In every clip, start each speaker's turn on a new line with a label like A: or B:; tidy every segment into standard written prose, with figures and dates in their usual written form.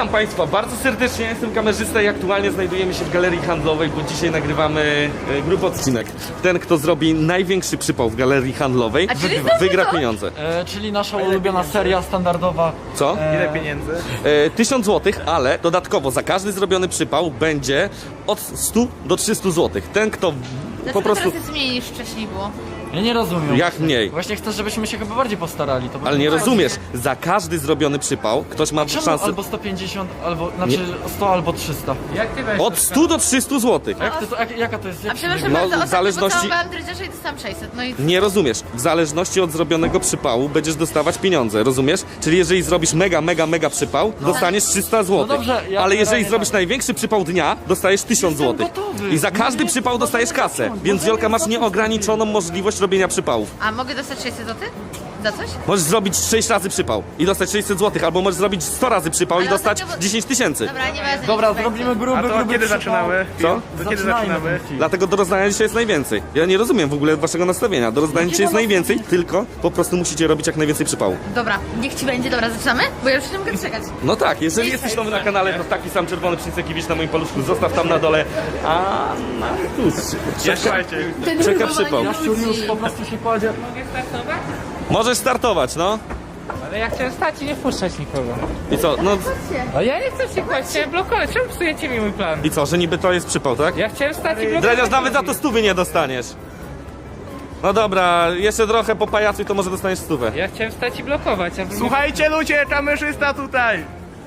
A: Witam Państwa bardzo serdecznie, jestem kamerzysta i aktualnie znajdujemy się w galerii handlowej, bo dzisiaj nagrywamy gruby odcinek. Ten, kto zrobi największy przypał w galerii handlowej, wygra pieniądze.
B: Czyli nasza ulubiona seria standardowa.
A: Co?
C: Ile pieniędzy?
A: 1000 zł, ale dodatkowo za każdy zrobiony przypał będzie od 100 do 300 zł. Ten, kto po prostu...
D: Teraz jest mniej niż wcześniej było.
B: Ja nie rozumiem.
A: Jak mniej?
B: Właśnie chcesz, żebyśmy się chyba bardziej postarali. To
A: Ale nie rozumiesz, za każdy zrobiony przypał ktoś ma
B: Czemu
A: szansę
B: albo 150, albo, znaczy 100 albo 300.
C: Jak ty weź
A: od 100 do 300 zł.
B: Jaka to jest?
D: A przepraszam
A: No,
D: bardzo,
A: w
D: ostatnio
A: zależności-
D: pocałowałam drydziarza i dostałam 600, no i...
A: Nie rozumiesz. W zależności od zrobionego przypału będziesz dostawać pieniądze, rozumiesz? Czyli jeżeli zrobisz mega przypał, dostaniesz 300 zł.
B: No dobrze, ja
A: ale jeżeli
B: generalnie
A: zrobisz
B: tak.
A: największy przypał dnia, dostajesz 1000
B: Jestem
A: zł.
B: gotowy.
A: I za każdy przypał dostajesz kasę. Więc Wiolka, masz nieograniczoną możliwość robienia przypałów.
D: A mogę dostać 600 zł? Za coś?
A: Możesz zrobić 6 razy przypał i dostać 600 zł, albo możesz zrobić 100 razy przypał i
D: Ale
A: dostać
D: ostatnio-
A: 10 tysięcy.
D: Dobra, nie ważne.
B: Dobra,
D: nic nie
B: zrobimy
D: będzie.
B: gruby,
C: A to
B: gruby
C: kiedy
B: przypał.
C: zaczynamy?
A: Co?
C: To kiedy zaczynamy?
A: Dlatego do rozdania dzisiaj jest najwięcej. Ja nie rozumiem w ogóle waszego nastawienia. Do rozdania dzisiaj jest najwięcej, tylko po prostu musicie robić jak najwięcej przypału.
D: Dobra, niech ci będzie, dobra, zaczynamy? Bo ja już nie mogę czekać.
A: No tak, jeżeli jesteś nowy na kanale, to taki sam czerwony przycisk jaki widzisz na moim paluszku, zostaw tam na dole. A na tu
C: Słuchajcie.
A: czeka przypał.
B: Jaszczur już po prostu się kładzie.
E: Mogę startować?
A: Możesz startować, no.
E: Ale ja chciałem stać i nie wpuszczać nikogo.
A: I co? No
E: A ja nie chcę się kłaść, chciałem blokować. Czemu psujecie mi mój plan?
A: i co, że niby to jest przypał, tak?
E: Ja chciałem stać i blokować.
A: Dredziarz, nawet za to 100 nie dostaniesz. No dobra, jeszcze trochę po pajacu i to może dostaniesz 100.
E: Ja chciałem stać i blokować, a wy
C: Słuchajcie ludzie, kamerzysta tutaj!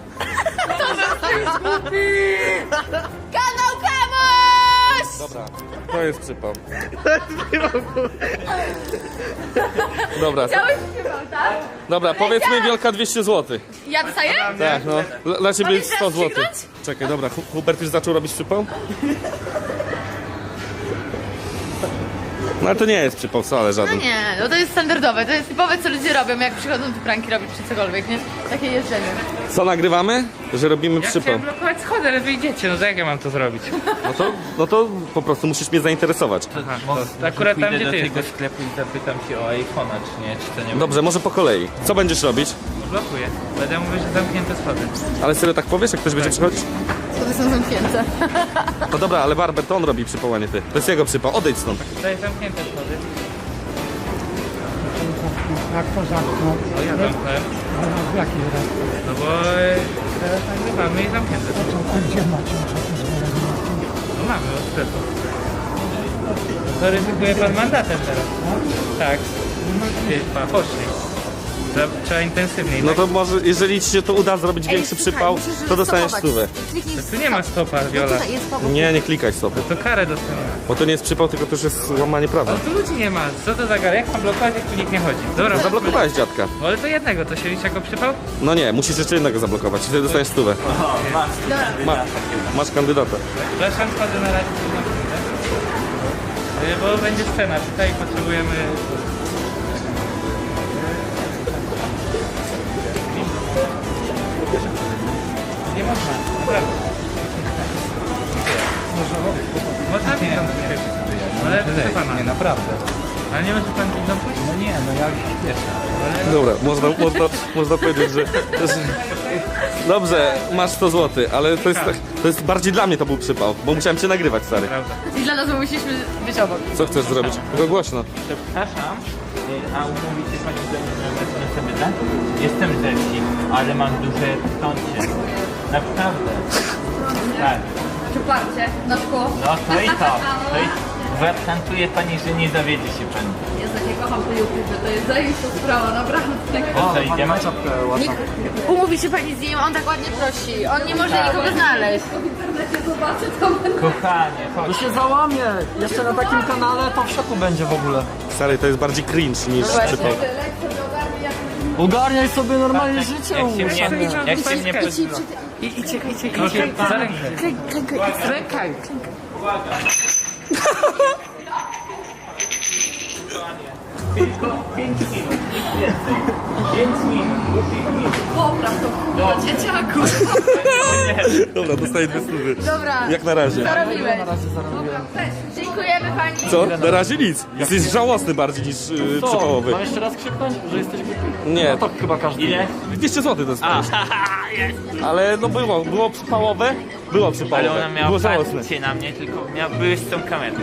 D: Kanał Kamuś!
A: Dobra, to jest przypał. Dobra,
D: Chciałeś śpiewał, tak?
A: dobra, powiedzmy Wiolka 200 zł.
D: Ja dostaję?
A: Tak, no. Dla ciebie
D: Mogę
A: jest 100
D: teraz
A: zł.
D: krzyknąć?
A: Czekaj, dobra, Hubert już zaczął robić przypał? No ale to nie jest przypał wcale
D: No
A: żaden.
D: nie, no to jest standardowe, to jest typowe co ludzie robią, jak przychodzą tu pranki robić czy cokolwiek, nie? Takie jeżdżenie.
A: Co nagrywamy? Że robimy
E: Ja
A: przypał.
E: chciałem blokować schody, ale wyjdziecie, no to jak ja mam to zrobić?
A: No to po prostu musisz mnie zainteresować.
E: Aha, to akurat tam, gdzie
F: do
E: ty
F: tego
E: jesteś.
F: sklepu i zapytam się o iPhone'a, czy nie, czy to nie
A: Dobrze, może po kolei. Co będziesz robić?
E: Blokuję. Będę mówił, że zamknięte schody.
A: Ale serio tak powiesz, jak ktoś będzie przychodzić?
D: Schody są zamknięte.
A: No dobra, ale Barber to on robi przypał, a nie ty. To jest jego przypał, odejdź stąd.
E: Tutaj zamknięte schody.
G: Jak to zamknął?
E: O, ja zamknąłem.
G: W jakiej razie?
E: No bo teraz nagrywamy i zamknięte schody.
G: A gdzie macie pozwolenie?
E: No mamy od sklepu. To ryzykuje pan mandatem teraz. Tak. Ty, pan, poszli. Trzeba intensywniej.
A: No to może, jeżeli ci się to uda zrobić większy przypał, to dostaniesz 100.
E: Tu nie ma stopa, Viola.
A: Nie, nie klikaj stopy.
E: To karę dostanę.
A: Bo to nie jest przypał, tylko to już jest łamanie prawa.
E: Ale tu ludzi nie ma. Co to za gara? Jak mam blokować, jak tu nikt nie chodzi? Dobra,
A: Zablokowałeś dziadka.
E: No ale to jednego, to się liczy jako przypał?
A: No nie, musisz jeszcze jednego zablokować i wtedy dostaniesz 100. Masz kandydata.
E: Przepraszam, wchodzę na razie. Bo będzie scena. Tutaj potrzebujemy... Nie można, naprawdę. Można widzą pójść. Ale proszę pana.
F: Nie, naprawdę.
E: Ale nie może pan widzą pójść?
F: No nie, no ja już się śpieszę.
A: Dobra, można powiedzieć, że... Dobrze, masz 100 zł, ale to jest bardziej dla mnie to był przypał, bo musiałem cię nagrywać, stary.
E: Prawda.
D: I dla nas musieliśmy być obok.
A: Co chcesz zrobić? Tylko głośno.
F: Przepraszam, a umówicie pani ze mną, że wezmę sobie tak? Jestem rzeźki, ale mam duże stącie. Naprawdę. Tak.
D: Przyparcie na szkło.
F: No to i to. Gwarantuję pani, że nie dowiedzie się pani.
D: Jezu, ja kocham te YouTube, to jest zajebista sprawa, naprawdę.
F: To co, idziemy?
D: Umówi się pani z nim, on tak ładnie prosi. On nie może nikogo znaleźć. W internecie zobaczy, co będzie.
F: Kochanie,
B: To
F: chodź.
B: się załamie. Jeszcze na takim kanale to w szoku będzie w ogóle.
A: Stary, to jest bardziej cringe niż przypał.
B: Ogarniaj sobie normalnie życie.
F: Jak się mnie pozna.
E: Proszę, za rękę.
D: Klękaj.
F: Tylko 5 minut, nic więcej. 5 minut, bo 5 minut.
D: Popraw to kurwa, dzieciaku.
A: Dobra, dostaję 2 stówy.
D: Dobra,
A: Jak na razie.
D: zarobiłeś. Dziękujemy pani.
A: Co? Na razie nic. Jesteś żałosny bardziej niż przypałowy.
B: Mam jeszcze raz krzyknąć, że jesteś głupi?
A: Nie.
B: No to chyba każdy.
F: Ile?
A: 200 zł dostałeś. Ale no było przypałowe. Było przypałowe.
F: Ale ona miała
A: było żałosne.
F: patrzcie na mnie, tylko były z tą kamerką.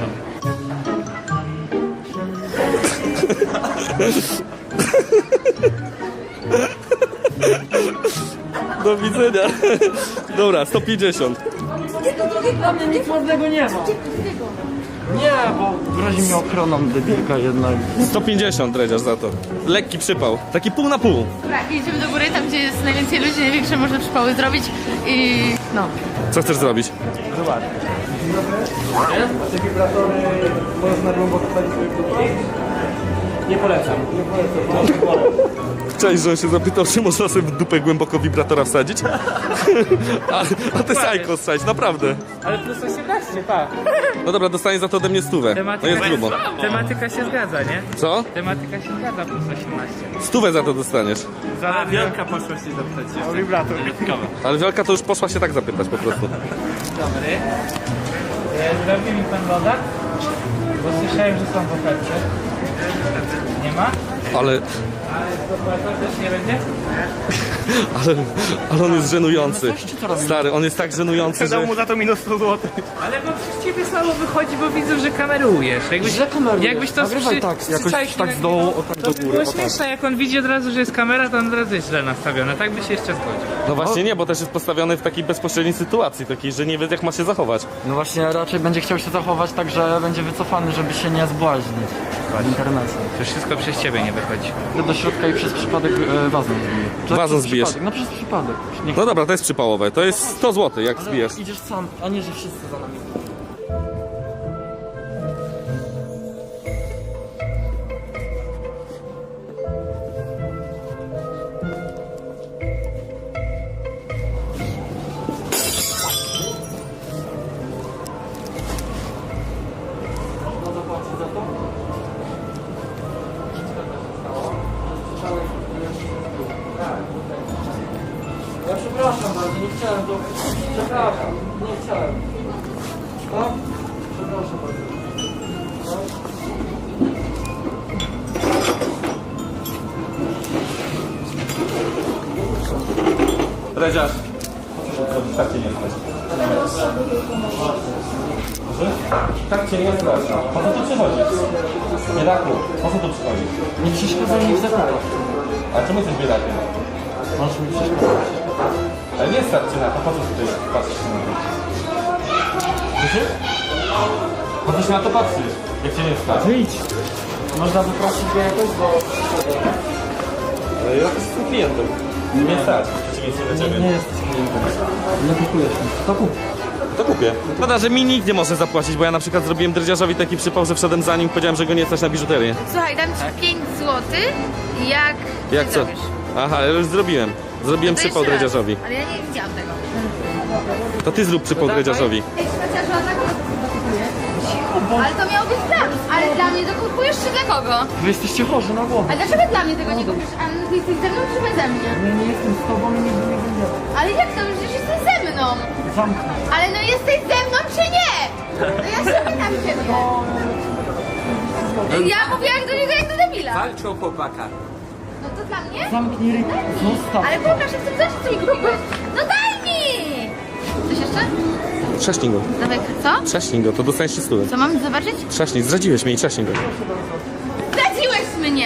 A: Do widzenia. Dobra, 150.
B: Dla mnie nic ładnego nie ma. Nie, bo grozi mi ochroną debilka jednak.
A: 150 dredziarz za to. Lekki przypał. Taki pół na pół.
D: Dobra, idziemy do góry, tam gdzie jest najwięcej ludzi, największe można przypały zrobić i no.
A: Co chcesz zrobić?
B: Te wibratory można głęboko wsadzić w dupę? Nie polecam.
A: Cześć, że on się zapytał, czy można sobie w dupę głęboko wibratora wsadzić? A ty sajko wsadź, naprawdę.
E: Ale plus 18, tak.
A: No dobra, dostanie za to ode mnie 100. No jest grubo.
E: Tematyka się zgadza, nie?
A: Co?
E: Tematyka się zgadza, plus 18.
A: 100 za to dostaniesz.
F: A Wielka poszła się zapytać jeszcze.
C: O wibrator.
A: Ale Wiolka to już poszła się tak zapytać po prostu.
E: Dobry. Zrobi mi pan woda? Bo słyszałem, że są w ofercie. Nie ma?
A: Ale
E: Dopłata też nie będzie?
A: ale on jest żenujący. Stary, on jest tak żenujący, że...
C: Dał mu za to minus 100 zł.
E: Ale bo przez ciebie słabo wychodzi, bo widzę, że kamerujesz.
B: Źle kamerujesz.
E: Jakbyś to
B: Nagrywaj tak, jakoś
E: przyczaił
B: tak
E: na
B: z dołu,
E: niego,
B: o tak
E: to
B: do
E: by
B: góry,
E: było
B: o tak.
E: śmieszne, jak on widzi od razu, że jest kamera, to on od razu jest źle nastawiony. Tak by się jeszcze zgodził.
A: No właśnie nie, bo też jest postawiony w takiej bezpośredniej sytuacji, takiej, że nie wie jak ma się zachować.
B: No właśnie, raczej będzie chciał się zachować tak, że będzie wycofany, żeby się nie zbłaźnić w internecie.
E: To wszystko przez ciebie nie wychodzi.
B: Idę do środka i przez przypadek wazon zbiję.
A: Wazon
B: Przez
A: zbijesz?
B: przypadek, no przez przypadek. Nie
A: No dobra, to jest przypałowe. To jest 100 zł, jak
B: ale
A: zbijesz.
B: idziesz sam, a nie, że wszyscy za nami. Można zapłacić za to? Ja przepraszam bardzo, nie chciałem to. Przepraszam, nie chciałem. No? Przepraszam bardzo.
A: Dredziarz. Tak cię nie stać. Tak cię nie stać. Po co tu przychodzisz? Biedaku, po co tu przychodzisz?
B: Nie przeszkadzaj mi w zakupach.
A: A czemu jesteś biedakiem?
B: Możesz mi przeszkadzać.
A: Ale nie stać cię na to, po co tutaj patrzysz na to? Słyszysz? Po co się na to patrzysz, jak cię nie stać?
B: Wyjdź! Można wyprosić go jakoś, bo...
A: Ale ja jestem klientem. Nie stać, przeciwieństwie do ciebie.
B: Nie jesteś klientem. Nie kupujesz mi. To kup.
A: To kupię. Szkoda, że mi nikt nie może zapłacić, bo ja na przykład zrobiłem dredziarzowi taki przypał, że wszedłem za nim i powiedziałem, że go nie stać na biżuterię.
D: Słuchaj, dam ci 5 zł,
A: Jak co?
D: zrobisz.
A: Aha, ja już zrobiłem. Zrobiłem
D: To
A: przypał
D: jeszcze raz.
A: dredziarzowi.
D: Ale ja nie widziałam tego.
A: To ty zrób przypał dredziarzowi.
D: Ej, chociaż ona tak kupuje. Ale to miało być dla mnie. Ale dla mnie to kupujesz czy dla kogo?
B: Wy jesteście chorzy na głowę.
D: A dlaczego dla mnie tego nie kupisz? A ty jesteś ze mną czy beze mnie?
B: Ja nie jestem z tobą i nigdy nie będę.
D: Ale jak to? Przecież jesteś ze mną.
B: Zamknij.
D: Ale no jesteś ze mną czy nie? No ja się pytam ciebie. Ja mówiłam do niego jak do debila.
F: Walczą chłopaka.
D: No to dla mnie?
B: Zamknij ryj. Zostaw.
D: Ale pokaż, jak chcesz coś mi kupić. No daj mi! Coś jeszcze?
A: Trzaśnij go.
D: Dawaj, co?
A: Trzaśnij go, to dostaniesz 300.
D: Co mam zobaczyć?
A: Trzaśnij, zdradziłeś mnie i trzaśnij go.
D: Zdradziłeś mnie!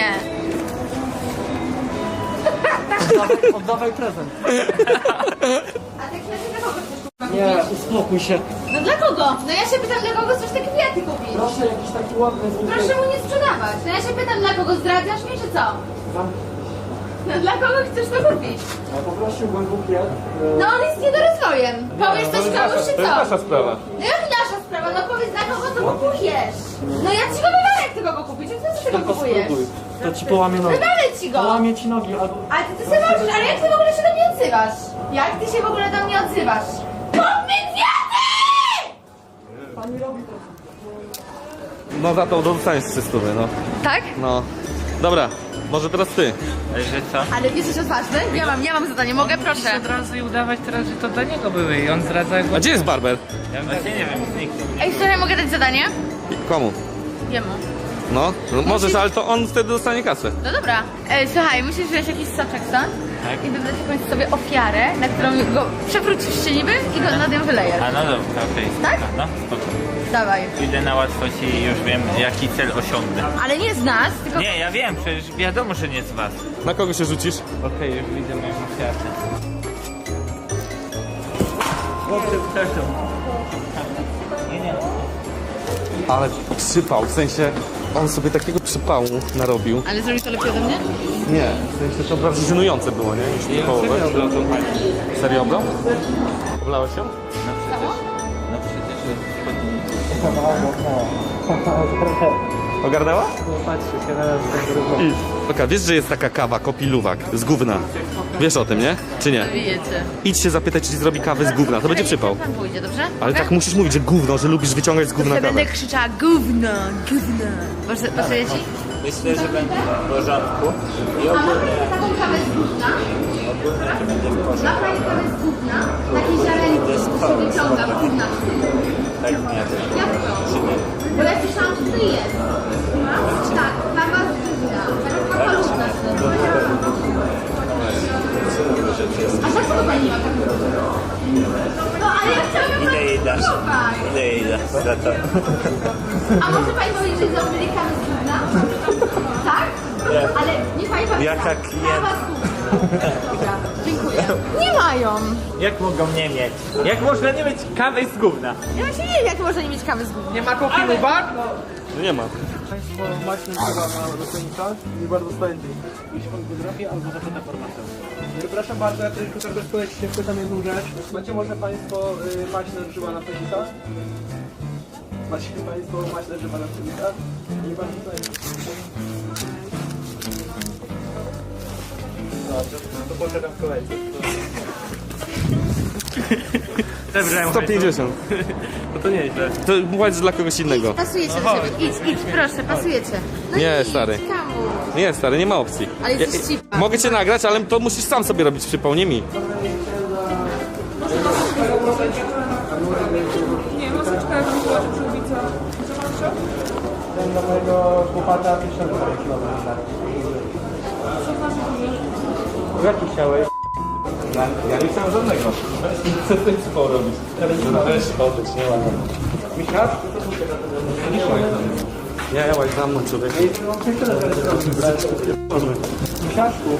B: Oddawaj prezent.
D: A te kwiaty dla kogo chcesz kupić?
B: Nie, uspokój się.
D: No dla kogo? No ja się pytam, dla kogo chcesz te kwiaty kupić?
B: Proszę jakiś taki ładny zwykły.
D: Proszę mu nie sprzedawać. No ja się pytam, dla kogo zdradzasz mnie, czy co? No dla kogo chcesz to kupić?
B: Ja poprosiłbym bukiet.
D: No on jest niedorozwojem. Powiesz coś komuś, czy
A: To jest
D: co?
A: nasza sprawa.
D: No jak nasza sprawa? No powiedz, dla kogo to kupujesz? No ja ci go wywalę, jak ty go kupisz. Jak ty tego
B: Tylko
D: kupujesz?
B: spróbuj. To ci połamie nogi.
D: Wywalę ci go.
B: Połamie ci nogi albo...
D: Ale ty sobie możesz, ale jak ty w ogóle się do mnie odzywasz? Jak ty się w ogóle do mnie odzywasz? Kup mi kwiaty!
B: Pani robi to.
A: No za to dostaniesz 300, no.
D: Tak?
A: No. Dobra, może teraz ty.
F: Ale że co?
D: Ale jesteś odważny? Ja mam zadanie, mogę? Proszę.
E: Od razu i udawać teraz, że to dla niego były i on zdradza
A: A
E: go.
A: gdzie jest barber?
F: Właśnie nie wiem, zniknął.
D: Ej, słuchaj, mogę dać zadanie?
A: Komu?
D: Jemu.
A: No, możesz, ale to on wtedy dostanie kasę.
D: No dobra. Słuchaj, musisz wziąć jakiś soczek stąd
F: Tak.
D: i wybrać jakąś sobie ofiarę, na którą go przewrócisz się niby i go nad nią wylejesz.
F: A no dobra, okej.
D: Tak?
F: No, spoko.
D: Dawaj.
F: Idę na łatwość i już wiem, jaki cel osiągnę.
D: Ale nie z nas, tylko...
F: Nie, ja wiem, przecież wiadomo, że nie z was.
A: Na kogo się rzucisz?
F: Okej, już widzę moją ofiarę. Chłopcy, przepraszam. Nie.
A: Ale przypał, w sensie on sobie takiego przypału narobił.
D: Ale zrobisz to lepiej ode mnie?
A: Nie, w sensie to bardziej żenujące było, nie? Niż przypałowe. Serio oblał? Oblałeś się?
F: No przecież
A: Ogarnęła?
B: Patrzcie się na nas.
A: Idź. Oka, wiesz, że jest taka kawa, kopiluwak, z gówna. Wiesz o tym, nie? Czy nie?
D: Wiecie.
A: Idź się zapytać, czy ci zrobi kawę z gówna, to będzie przypał.
D: Pan pójdzie, dobrze?
A: Ale tak musisz mówić, że gówno, że lubisz wyciągać z gówna
D: Ja
A: kawę.
D: będę krzyczała gówno, gówno. Pasuje ci?
F: myślę, że będzie w porządku. I
D: A
F: ogólnie,
D: może taką kawę z gówna?
F: ogólnie to będzie w porządku.
D: Ma pani kawę z gówna? Takiej ziarenki, co się wyciąga w gówna.
F: Tak nie wiem.
D: Jak to? Bo ja słyszałam, że to jest. Tak, kawa z gówna. Taka paluszna. A za co pani ma taką? No, ale ja chciałam ją
F: Ile jej dasz?
D: spróbować.
F: Ile jej dasz za to?
D: A może pani powiedzieć, że zrobili kawę z gówna? Tak?
F: Nie.
D: Ale nie pani powiedziała.
F: Jaka klient-
D: Kawa z gówna. Dobra, dziękuję. Nie mają.
F: Jak mogą nie mieć? Jak można nie mieć kawy z gówna?
D: Ja właśnie nie wiem, jak można nie mieć kawy z gówna.
C: Nie ma kopilu bar?
A: No nie ma.
B: Państwo macie chyba na rosyjnikach i bardzo spędzi. Jeśli pan potrafi, albo za to formatę. Przepraszam bardzo, ja tylko tak bez kolei się wpytam jedną rzecz. Macie może Państwo maśle grzyba na pszenicach? Macie Państwo maśle grzyba na pszenicach? Nie bardzo spędzi. To poczekam w kolejce.
C: Zebrałem
A: 150.
C: No to nieźle.
A: To płać dla kogoś innego.
D: Pasujecie do siebie. Idź, proszę, pasujecie. No
A: Nie,
D: idź,
A: stary.
D: Kamu.
A: Nie, stary, nie ma opcji.
D: Ale jesteś cipa.
A: Mogę cię nagrać, ale to musisz sam sobie robić przypał, nie mi.
H: Nie, maseczka jak była, czy przyłbica.
B: Ten dla mojego chłopaka 1000 km. Jaki chciałeś?
A: Ja nie chciałem żadnego. Chcę ten przypał robić. Weź odejdź, nie ładnie.
B: Michasz?
A: Ja łaź za mną, człowiek.
B: Michaszku?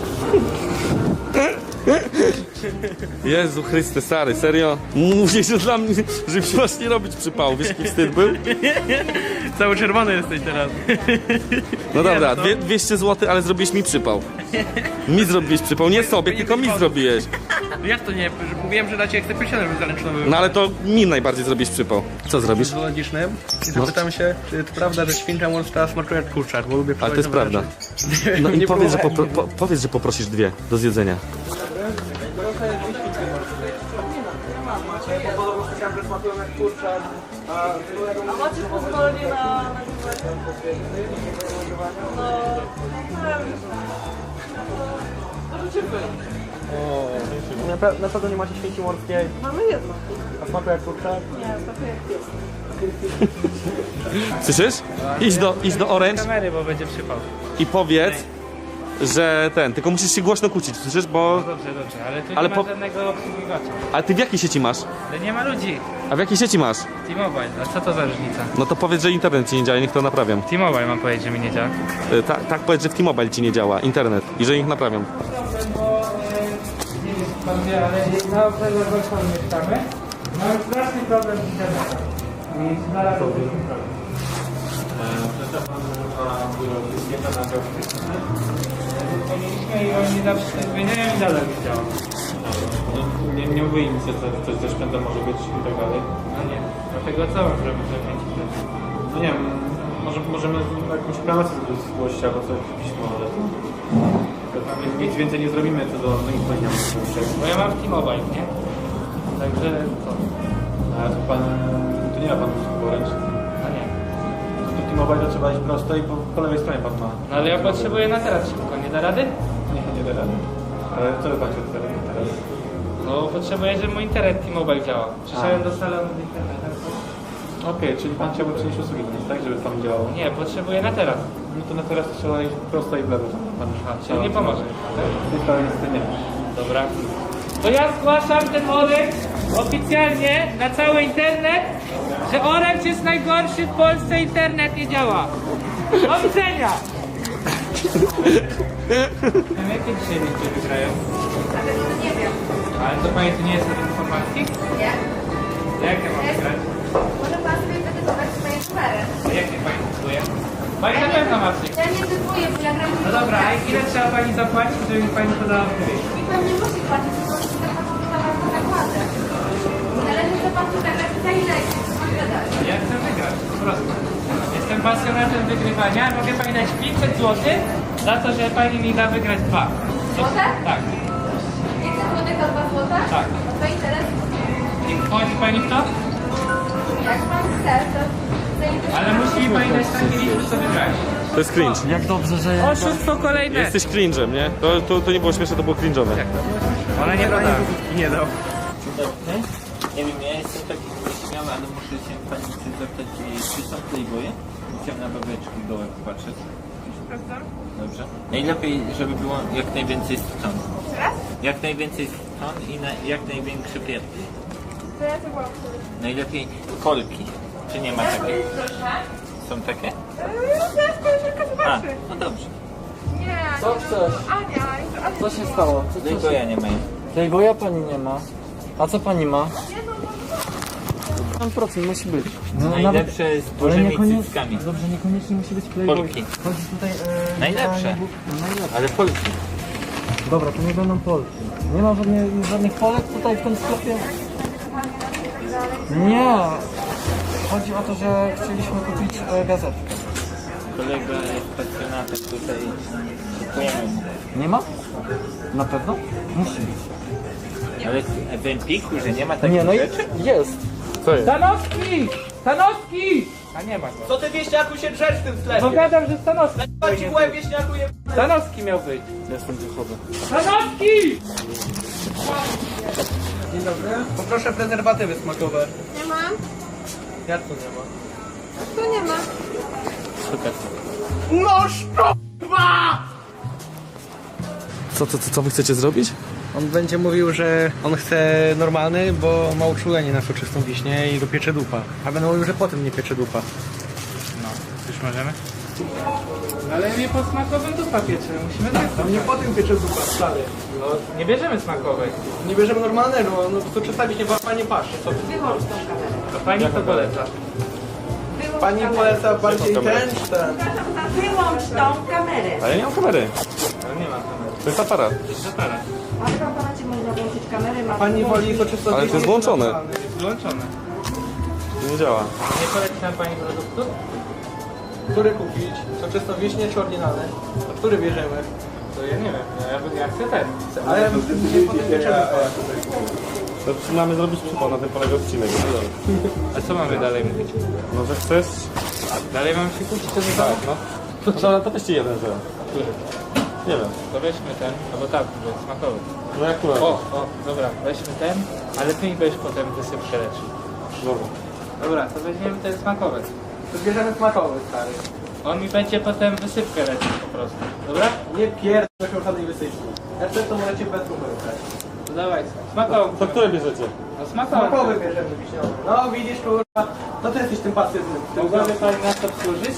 A: Jezu Chryste, stary, serio? Mówię, że dla mnie, że masz nie robić przypału. Wiesz, jaki wstyd był?
C: Cały czerwony jesteś teraz.
A: No dobra, 200 zł, ale zrobiłeś mi przypał. Mi zrobiłeś przypał, nie sobie, tylko mi zrobiłeś.
C: Jak to nie? Mówiłem, że na ciebie chcę piosenę zaręczną.
A: No ale to mi najbardziej zrobisz przypał. Co zrobisz?
C: Zoologicznym i zapytam się, czy to prawda, że świnka morska smakuje jak kurczak, bo lubię
A: Ale to jest prawda. No i powiedz, że powiedz, że poprosisz 2 do zjedzenia.
B: Macie, bo podobno słyszałem, że smakują jak kurczak. A
H: Macie pozwolenie na możecie wyjść.
B: na pewno nie macie świnki morskiej.
H: Mamy jedno.
B: A smakuje jak kurczak?
H: Nie, smakuje jak pies.
A: Słyszysz? Idź do Orange
E: Kamery, bo będzie przypał.
A: i powiedz, że tylko musisz się głośno kłócić, słyszysz? Bo...
E: Dobrze, ale tu
A: Ale
E: nie ma
A: po-
E: żadnego obsługiwacza.
A: A ty w jakiej sieci masz?
E: Ale nie ma ludzi.
A: A w jakiej sieci masz?
E: T-Mobile, a co to za różnica?
A: No to powiedz, że internet ci nie działa i niech to naprawiam.
E: T-Mobile mam powiedzieć, że mi nie działa.
A: Tak powiedz, że w T-Mobile ci nie działa internet i że ich naprawiam.
E: Nie wiem, pan wie, ale na obserwatorze mieszkamy. Mamy straszny problem z internetem. I znalazłbym problem. Mieliśmy i oni zawsze zmieniają i dalej nie działa.
I: Nie mówię im, że coś ze szpędem może być i tak dalej.
E: No nie, dlatego co mam zrobić, żeby kręcić ten?
I: No nie wiem, możemy jakąś reklamację zgłosić albo coś pismo, ale nic więcej nie zrobimy co do moich poziomów.
E: Bo ja mam T-Mobile, nie? Także co?
I: A to pan, to nie ma pan usług Orange?
E: No nie.
I: No to T-Mobile, to trzeba iść prosto i po lewej stronie pan ma.
E: No ale ja potrzebuję na teraz szybko, nie da rady?
I: Nie da rady. Ale co by pan chciał teraz?
E: No potrzebuję, żeby mój internet T-Mobile działał. Przyszedłem do salonu z internetem.
I: Okej, czyli pan chciałby przynieść usługi do nas, tak? Żeby pan działał.
E: Nie, potrzebuję na teraz.
I: No to na teraz trzeba iść prosto i w lewo. Pan
E: Czyli nie pomoże.
I: w tej sprawie niestety nie.
E: Dobra. To ja zgłaszam ten Orange oficjalnie na cały internet, że Orange jest najgorszy w Polsce, internet nie działa. Do widzenia! Jakie dzisiaj ludzie wygrają?
D: Nie wiem.
E: Ale to pani tu nie jest od informacji?
D: Nie?
E: Jak ja mam wygrać?
D: Może pan sobie wytypować swoje numery.
E: A jak nie pani decyduje? Pani na pewno ma przyjść.
D: Ja nie typuję, bo ja gram w
E: No dobra, a ile trzeba pani zapłacić, żeby mi pani podała odpowiedź?
D: I pan nie musi płacić, to jest taka zakładę. Należy zobaczyć tak jak za ile jest.
E: Ja chcę wygrać, po prostu. Jestem pasjonatem wygrywania. Mogę pani dać 500 zł za to, że pani mi da wygrać 2.
D: Złote?
E: Tak,
D: 500 złotych za 2 złota?
E: tak.
D: To interes?
E: I wchodzi pani w to?
D: Jak pan chce, to zainteresuje.
E: Ale musi mi pani dać takie liczby, co wygrać.
A: To jest cringe.
G: Jak dobrze, że ja...
E: Oszustwo kolejne.
A: Jesteś cringe'em, nie? To nie było śmieszne, to było cringe'owe.
E: Ona nie poda.
B: Nie dał.
F: Nie wiem, ja jestem taki nieśmiały, ale muszę się pani coś zapytać, czy są playboye? Chciałem na babeczki gołe popatrzeć. Dobrze. Najlepiej, żeby było jak najwięcej stron. Jak najwięcej stron i jak największy pier. Najlepiej kolki. Czy nie ma takich? Są takie? A, no dobrze.
H: Co chcesz? Ania,
G: Co się stało?
F: Playboya nie mają.
G: Playboya pani nie ma. A co pani ma? 100% musi być. No,
F: Najlepsze z dużymi cyckami.
G: Dobrze, niekoniecznie musi być Playboy.
F: Polki.
G: Chodzi tutaj...
F: Najlepsze.
G: Najlepsze.
F: Ale Polki.
G: Dobra, to nie będą Polki. Nie ma żadnych Polek tutaj w tym sklepie? Nie. Chodzi o to, że chcieliśmy kupić gazetkę.
F: Kolega jest pasjonatem tutaj. Kupujemy mu.
G: Nie ma? Na pewno? Musi być.
F: Ale w Empiku, że nie ma takich
G: Nie, no i
F: rzeczy?
G: jest.
A: Co jest?
E: Stanowski! Stanowski! A nie ma go.
B: Co ty wieśniaku się drzesz w tym sklepie?
E: No gadam, że Stanowski.
B: Chodź w łeb wieśniaku je...
E: Stanowski miał być.
G: Jestem wychodzę.
E: Stanowski!
B: Dzień dobry. Poproszę prezerwatywy smakowe.
D: Nie mam.
B: Jak tu nie ma?
D: Tu nie ma.
F: Super.
A: Co wy chcecie zrobić?
B: On będzie mówił, że on chce normalny, bo ma uczulenie na soczystą wiśnię i go piecze dupa. A będę mówił, że potem nie piecze dupa.
E: No, już możemy? Ale nie po smakowym dupa pieczymy, musimy tak.
B: A nie potem piecze dupa, stary.
E: No, nie bierzemy smakowej.
B: Nie bierzemy normalnego, no to soczysta wiśnie była pani pasz. Co?
D: Wyłącz tą kamerę.
E: To pani to poleca.
D: Wyłącz
B: Pani
D: kamerę.
B: poleca bardziej
A: kamerę?
B: ten czy ten?
D: Wyłącz tą kamerę.
A: Ale ja nie mam kamery.
E: Ale nie ma kamery.
A: To jest aparat.
E: Zapala.
D: Ale w aparacie można włączyć kamerę. Ma
B: Pani woli soczystą
A: Ale to jest włączone.
E: Wyłączone.
A: Nie działa.
E: Nie poleci nam pani produktu?
B: Który kupić? Soczystą wiśnię czy oryginalny? A który bierzemy?
E: To ja nie wiem, ja chcę ten.
B: Ale ja potem bierzemy.
A: To mamy zrobić przypał, na tym polega odcinek.
E: A co mamy dalej mówić?
A: No, że chcesz?
E: Dalej mam się kłócić, to
A: Tak, no. To weźcie jeden, że.
E: Który?
A: Nie wiem.
E: To weźmy ten, albo tak, bo jest smakowy.
A: No jak tu
E: O, dobra, weźmy ten, ale ty mi będziesz potem wysypkę leczył.
A: Dobra.
E: Dobra, to weźmiemy ten smakowy.
B: To bierzemy smakowy, stary.
E: On mi będzie potem wysypkę leczył po prostu. Dobra?
B: Nie pierdolę żadnej wysypki. Receptę możecie bez numeru brać.
E: To dawaj, smakowy.
A: To które bierzecie?
E: No smakowy.
B: Smakowy bierzemy wiśniowy. No widzisz, kurwa, no ty jesteś tym pasywnym.
E: Mogłaby pani nas obsłużyć?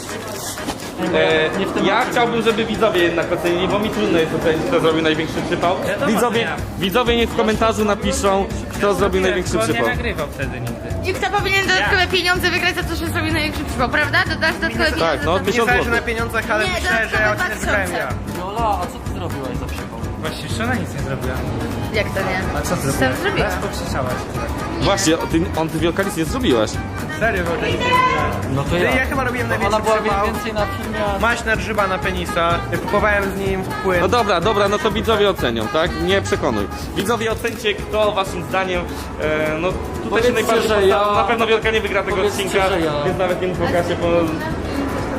A: Ja chciałbym, żeby widzowie jednak ocenili, bo mi trudno jest ocenić, kto zrobił największy przypał. Widzowie niech w komentarzu napiszą, kto zrobił największy
E: Bo
A: przypał.
E: nie nagrywał wtedy nigdy.
D: I kto powinien dodatkowe pieniądze wygrać za to, że zrobił największy przypał, prawda? Dodasz dodatkowe pieniądze
A: Tak, no
D: za
A: 1000
B: Nie zależy
A: zł.
B: na pieniądzach, ale
D: Nie,
B: myślę, że ja
D: dodatkowe
B: odcinek wygrałem
D: 2000.
B: ja.
G: Jola, a co ty zrobiłaś za przypał?
E: Właściwie jeszcze ona nic nie zrobiła.
D: Jak to nie?
E: A co ty
D: Sam zrobiła.
E: Raz pokrzyczałaś.
A: Właśnie, ty wielkalic nie zrobiłaś.
B: Serio, bo nic nie zrobiłem.
G: No to
B: Ja chyba robiłem największy
G: Ona była
B: przypał.
G: więcej na filmie, a...
B: Maśna grzyba na penisa. Kupowałem z nim płyn.
A: No dobra, no to widzowie ocenią, tak? Nie przekonuj. Widzowie ocencie, kto waszym zdaniem, no tutaj się
G: Powiedzcie,
A: najbardziej
G: że
A: postara.
G: ja-
A: Na pewno Wielka nie wygra tego
G: Powiedzcie,
A: odcinka,
G: że ja-
A: więc nawet nie muszę się po...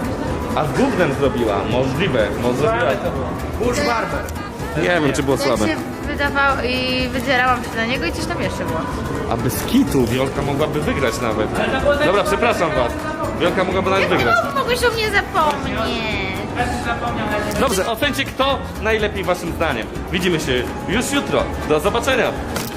A: A z gównem zrobiła, możliwe, może zrobiła.
B: Burz Barber.
A: Nie wiem, czy było
D: Tak
A: słabe.
D: się wydawało i wydzierałam się na niego i coś tam jeszcze było.
A: A bez kitu Wiolka mogłaby wygrać nawet. Dobra, przepraszam was. Wiolka mogłaby nawet wygrać.
D: Mogłeś o mnie zapomnieć.
A: Dobrze, ocencie kto najlepiej waszym zdaniem. Widzimy się już jutro. Do zobaczenia.